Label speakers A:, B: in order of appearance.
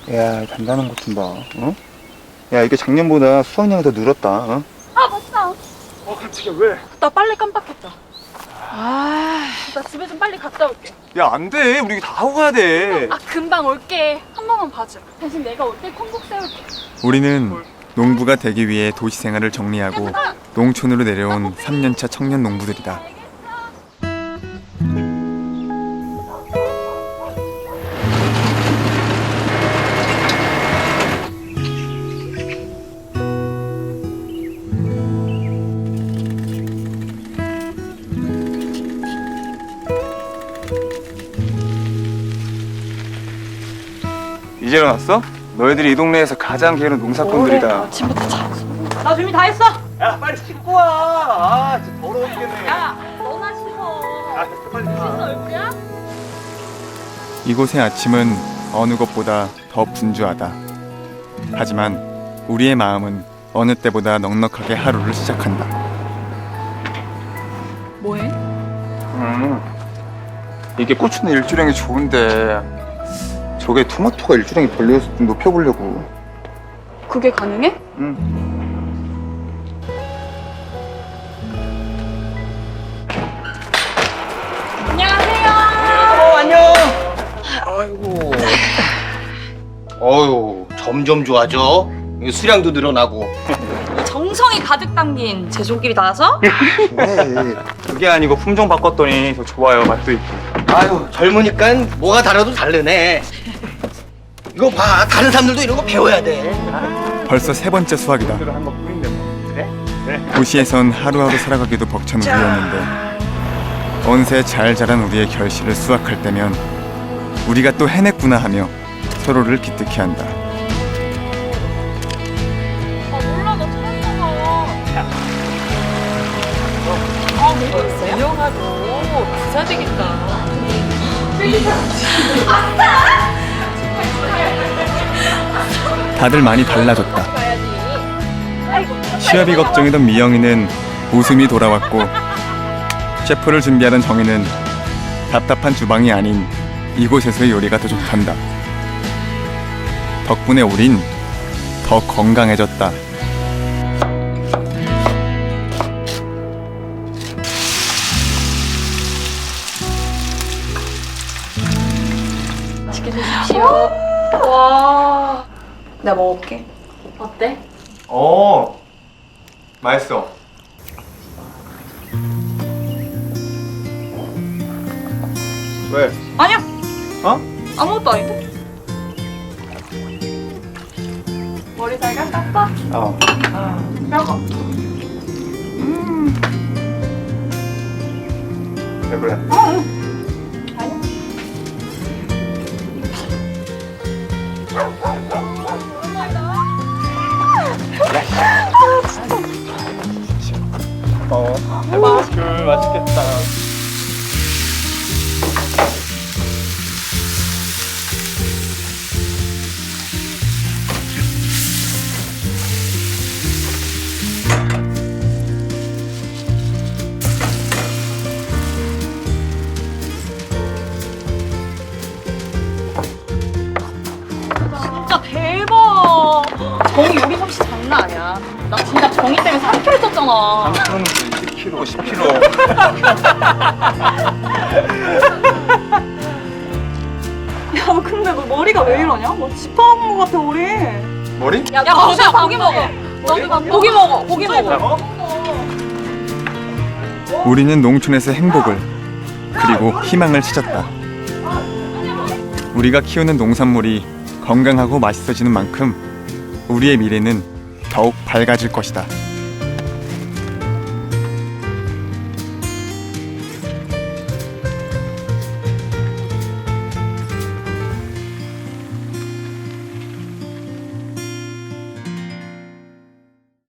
A: 야, 단단한 것 좀 봐. 어? 야, 이게 작년보다 수확량이 더 늘었다. 어?
B: 아 맞다.
A: 깜짝이야, 왜?
B: 나 빨래 깜빡했다. 나 집에 좀 빨리 갔다 올게.
A: 야, 안 돼. 우리 이거 다 하고 가야 돼.
B: 아 금방 올게. 한 번만 봐줘. 대신 내가 올 때 콩국 세울게.
C: 우리는 농부가 되기 위해 도시 생활을 정리하고 농촌으로 내려온 3년차 청년 농부들이다.
A: 이제 일어났어? 너희들이 이 동네에서 가장 게으른 농사꾼들이다.
B: 아침부터 잘했어. 나 준비 다 했어.
A: 야, 빨리 씻고 와. 아, 진짜 더러워 죽겠네.
B: 야, 너나 씻어.
A: 아, 빨리 가.
B: 씻어 얼굴야?
C: 이곳의 아침은 어느 것보다 더 분주하다. 하지만 우리의 마음은 어느 때보다 넉넉하게 하루를 시작한다.
B: 뭐해?
A: 이게 고추는 일주량이 좋은데 저게 토마토가 일주량이 별로여서 좀 높여보려고.
B: 그게 가능해?
A: 응.
B: 안녕하세요.
D: 안녕. 아이고. 어유 점점 좋아져. 수량도 늘어나고.
B: 정성이 가득 담긴 제조기를 나와서
A: 네. 그게 아니고 품종 바꿨더니 더 좋아요. 맛도 있고.
D: 아유 젊으니까 뭐가 달아도 다르네. 이거 봐, 다른 사람들도 이런 거 배워야 돼.
C: 벌써 세 번째 수확이다.
A: 한 것뿐인데 뭐. 그래?
C: 도시에선 하루하루 살아가기도 벅찬 우리였는데 언새 잘 자란 우리의 결실을 수확할 때면 우리가 또 해냈구나 하며 서로를 기특해 한다.
B: 아 몰라 나 처음 먹어. 아 뭐가 있어요? 유영아도 부자 되겠다.
C: 다들 많이 달라졌다. 시합이 걱정이던 미영이는 웃음이 돌아왔고 셰프를 준비하던 정희는 답답한 주방이 아닌 이곳에서의 요리가 더 좋단다. 덕분에 우린 더 건강해졌다.
B: 맛있게 드십시오. 와. 내가 먹을게. 어때?
A: 맛있어. 왜?
B: 아니야.
A: 어?
B: 아무것도 아닌데. 머리 잘 깎았어?
A: 어.
B: 뼈가.
A: 왜 그래? 맛있겠다.
B: 진짜 대박. 정이 요리 솜씨 장난 아니야. 나 진짜 정이 때문에 3kg 쪘잖아.
A: 10kg, 10kg.
B: 야 근데 너 머리가 왜 이러냐? 뭐 지퍼한 것 같아 우리.
A: 머리?
B: 야 거기야 고기 먹어. 고기 먹어. 고기 먹어.
C: 우리는 농촌에서 행복을 그리고 희망을 찾았다. 우리가 키우는 농산물이 건강하고 맛있어지는 만큼 우리의 미래는 더욱 밝아질 것이다.